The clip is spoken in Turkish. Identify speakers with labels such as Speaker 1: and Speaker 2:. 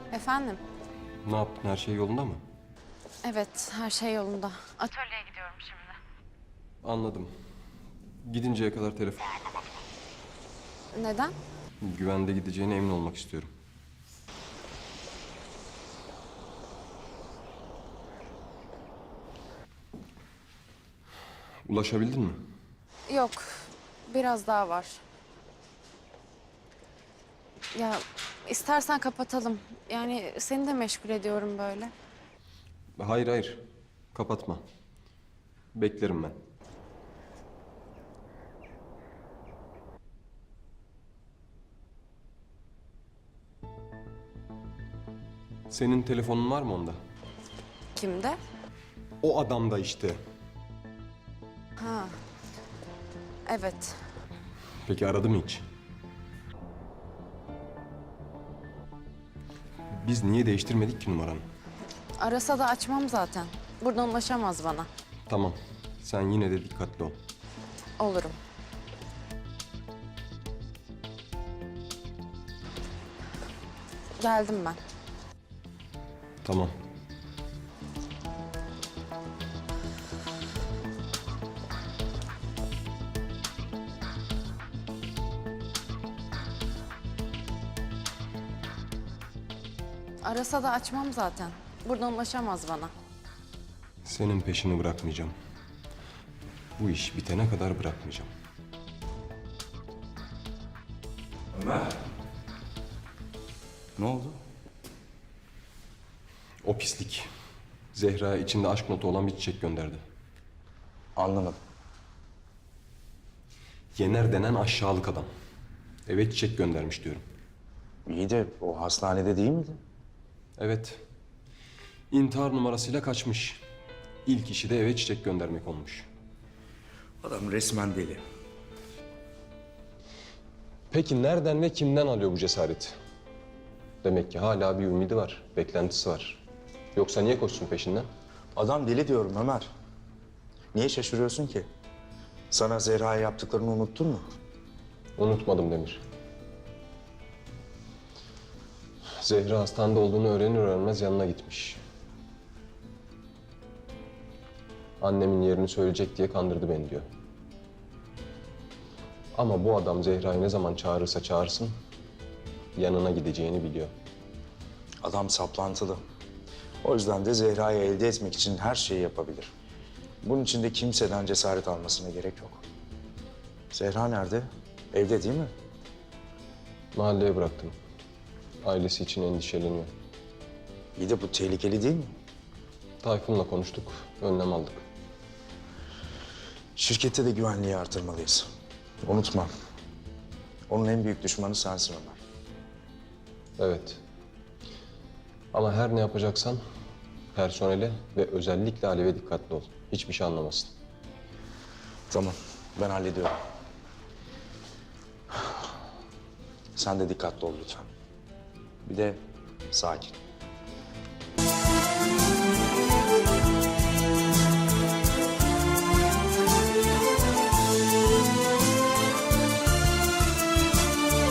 Speaker 1: Efendim?
Speaker 2: Ne yaptın? Her şey yolunda mı?
Speaker 1: Evet, her şey yolunda. Atölyeye gidiyorum şimdi.
Speaker 2: Anladım. Gidinceye kadar telefon.
Speaker 1: Neden?
Speaker 2: Güvende gideceğine emin olmak istiyorum. Ulaşabildin mi?
Speaker 1: Yok, biraz daha var. Ya istersen kapatalım. Yani seni de meşgul ediyorum böyle.
Speaker 2: Hayır hayır. Kapatma. Beklerim ben. Senin telefonun var mı onda?
Speaker 1: Kimde?
Speaker 2: O adamda işte.
Speaker 1: Ha, evet.
Speaker 2: Peki aradı mı hiç? Biz niye değiştirmedik ki numaranı?
Speaker 1: Arasa da açmam zaten. Buradan ulaşamaz bana.
Speaker 2: Tamam. Sen yine de dikkatli ol.
Speaker 1: Olurum. Geldim ben.
Speaker 2: Tamam.
Speaker 1: Arasa da açmam zaten. Buradan ulaşamaz bana.
Speaker 2: Senin peşini bırakmayacağım. Bu iş bitene kadar bırakmayacağım.
Speaker 3: Ömer. Ne oldu?
Speaker 2: O pislik. Zehra içinde aşk notu olan bir çiçek gönderdi.
Speaker 3: Anlamadım.
Speaker 2: Yener denen aşağılık adam. Eve çiçek göndermiş diyorum.
Speaker 3: İyi de o hastanede değil miydi?
Speaker 2: Evet. İntihar numarasıyla kaçmış. İlk işi de eve çiçek göndermek olmuş.
Speaker 3: Adam resmen deli.
Speaker 2: Peki nereden ve kimden alıyor bu cesareti? Demek ki hala bir ümidi var, beklentisi var. Yoksa niye koşsun peşinden?
Speaker 3: Adam deli diyorum Ömer. Niye şaşırıyorsun ki? Sana Zehra'ya yaptıklarını unuttun mu?
Speaker 2: Unutmadım Demir. Zehra hastanede olduğunu öğrenir öğrenmez yanına gitmiş. Annemin yerini söyleyecek diye kandırdı beni diyor. Ama bu adam Zehra'yı ne zaman çağırırsa çağırsın, yanına gideceğini biliyor.
Speaker 3: Adam saplantılı. O yüzden de Zehra'yı elde etmek için her şeyi yapabilir. Bunun için de kimseden cesaret almasına gerek yok. Zehra nerede? Evde değil mi?
Speaker 2: Mahalleye bıraktım. Ailesi için endişeleniyor.
Speaker 3: İyi de bu tehlikeli değil mi?
Speaker 2: Tayfun'la konuştuk, önlem aldık.
Speaker 3: Şirkette de güvenliği artırmalıyız. Unutma. Onun en büyük düşmanı sensin Ömer.
Speaker 2: Evet. Ama her ne yapacaksan personele ve özellikle Alev'e dikkatli ol. Hiçbir şey anlamasın.
Speaker 3: Tamam, ben hallediyorum. Sen de dikkatli ol lütfen. Bir de sakin.